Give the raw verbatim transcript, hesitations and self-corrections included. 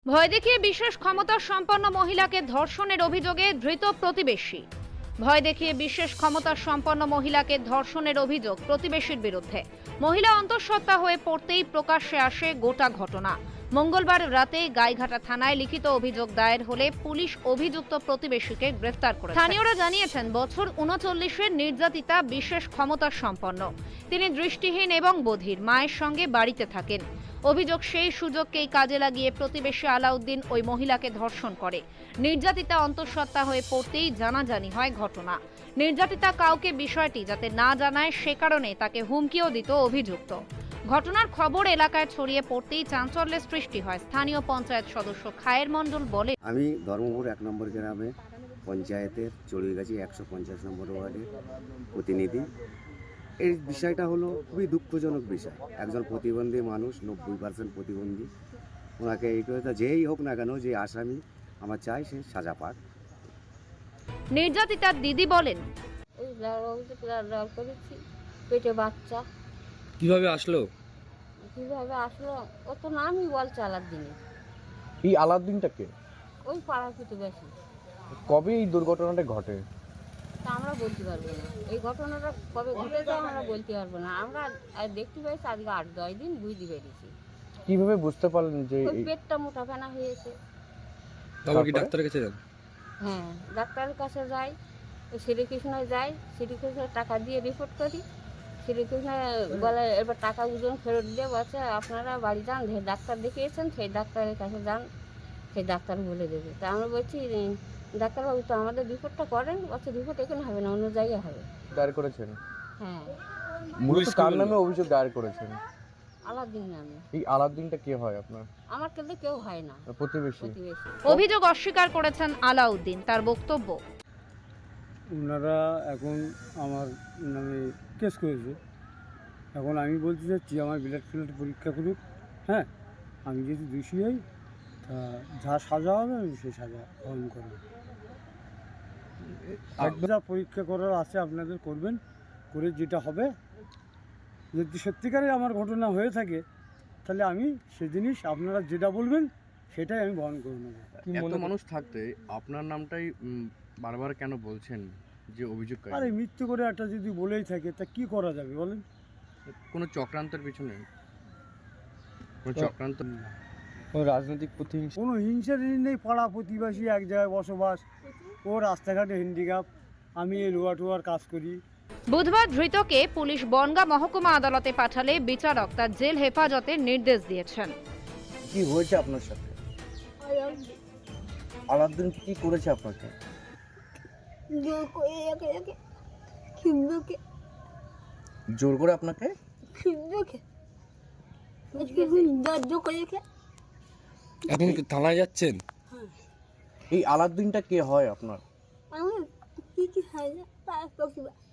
ভয় দেখিয়ে বিশেষ ক্ষমতা সম্পন্ন মহিলাকে ধর্ষণের অভিযোগে ধৃত প্রতিবেশী। ভয় দেখিয়ে বিশেষ ক্ষমতা সম্পন্ন মহিলাকে ধর্ষণের অভিযোগ প্রতিবেশীর বিরুদ্ধে। মহিলা অন্তঃসত্ত্বা হয়ে পড়তেই প্রকাশ্যে আসে গোটা ঘটনা। মঙ্গলবার রাতে গাইঘাটা থানায় লিখিত অভিযোগ দায়ের হলে পুলিশ অভিযুক্ত প্রতিবেশীকে গ্রেফতার করে। স্থানীয়রা জানিয়েছেন, বছর উনচল্লিশের নির্যাতিতা বিশেষ ক্ষমতা সম্পন্ন। তিনি দৃষ্টিহীন এবং বধির, মায়ের সঙ্গে বাড়িতে থাকেন। অভিযোগ, সেই সুযোগকেই কাজে লাগিয়ে প্রতিবেশী আলাউদ্দিন ওই মহিলাকে ধর্ষণ করে। নির্যাতিতা অন্তঃসত্ত্বা হয়ে পড়তেই জানাজানি হয় ঘটনা। নির্যাতিতা কাউকে বিষয়টি যাতে না জানায় সে কারণে তাকে হুমকিও দিত অভিযুক্ত। ঘটনার খবর এলাকায় ছড়িয়ে পড়তেই চাঞ্চল্যের সৃষ্টি হয়। স্থানীয় পঞ্চায়েত সদস্য খায়ের মণ্ডল বলে, আমি ধর্মপুর এক নম্বর গ্রামে পঞ্চায়েতের চড়ুইগাছি একশো পঞ্চাশ নম্বর ওয়ার্ডের প্রতিনিধি। এই বিষয়টা হলো খুবই দুঃখজনক বিষয়। একজন প্রতিবন্ধী মানুষ, নব্বই পার্সেন্ট প্রতিবন্ধী, ওনাকে এই কথা যেই হোক না কেন, যে আসামি, আমার চাই সে সাজা পাক। নির্যাতিতার দিদি বলেন, ওই লাল করেছি, পেটে বাচ্চা। কিভাবে আসলো? কিভাবে আসলো ও তো নামই বলছে আলাদ্দিনে। এই আলাউদ্দিনটা কে? ওই পাড়ার প্রতিবেশী। কবে এই দুর্ঘটনাটা ঘটে? তা আমরা বলতে পারবো না, এই ঘটনাটা কবে ঘটেছে আমরা বলতে পারবো না। আমরা আর দেখতে পেয়েছি আজকে আট দশ দিন বুঝতে পেরেছি। কিভাবে বুঝতে পারলেন যে ওই পেটটা মোটা ফেনা হয়েছে। তারপর কি ডাক্তারের কাছে যান? হ্যাঁ, ডাক্তারের কাছে যাই, ওই শ্রীকৃষ্ণয় যাই, শ্রীকৃষ্ণের টাকা দিয়ে রিপোর্ট করি। শ্রীকৃষ্ণ বলে এবার টাকা ওজন ফেরত দিয়ে বলছে আপনারা বাড়ি যান, যে ডাক্তার দেখিয়েছেন সেই ডাক্তারের কাছে যান, সেই ডাক্তার বলে দেবে। তা আমরা বলছি, ডাক্তারবাবু তো আমাদের রিপোর্টটা করেন। বলছে রিপোর্ট এখানে হবে না, অন্য জায়গায় হবে। দায়ের করেছেন? হ্যাঁ। মূলত কার নামে অভিযোগ দায়ের করেছেন? আলাদ্দিন নামে। এই আলাউদ্দিনটা কে হয় আপনার? আমার কিন্তু কেউ হয় না, প্রতিবেশী। প্রতিবেশী। অভিযোগ অস্বীকার করেছেন আলাউদ্দিন। তার বক্তব্য, ওনারা এখন আমার নামে কেস করেছে। এখন আমি বলতে চাচ্ছি আমার ব্লাড ফ্লাড পরীক্ষা করুক। হ্যাঁ, আমি যদি দোষী হই তা যা সাজা হবে আমি সেই সাজা গ্রহণ করব। যা পরীক্ষা করার আছে আপনাদের করবেন, করে যেটা হবে, যদি সত্যিকারে আমার ঘটনা হয়ে থাকে তাহলে আমি সে জিনিস আপনারা যেটা বলবেন সেটাই আমি বহন করে নেব। এত মানুষ থাকতে আপনার নামটাই উম, বারবার কেন বলছেন যে অভিযোগ? আরে মৃত্যু করে একটা যদি বলেই থাকে তা কি করা যাবে বলেন? কোনো চক্রান্তের পিছনে কোনো চক্রান্ত? রাজনৈতিক প্রতিহিংসা? কোনো হিংসা নেই, পাড়া প্রতিবেশী এক জায়গায় বসবাস, ও রাস্তাঘাটে হ্যান্ডিক্যাপ, আমি এই লোয়া টোয়ার কাজ করি। বুধবার ধৃতকে পুলিশ বনগাঁ মহকুমা আদালতে পাঠালে বিচারক তার জেল হেফাজতের নির্দেশ দিয়েছেন। কি হয়েছে আপনার সাথে? আলাউদ্দিন কি করেছে আপনাকে? জোর করে রেখে রেখে খিমকে জোর করে আপনাকে? খিমকে দর্জ করে রেখে। এখন কি থানায় যাচ্ছেন? এই আলাউদ্দিনটা কে হয় আপনার? আমি কি কি হয় না তার প্রতিভা।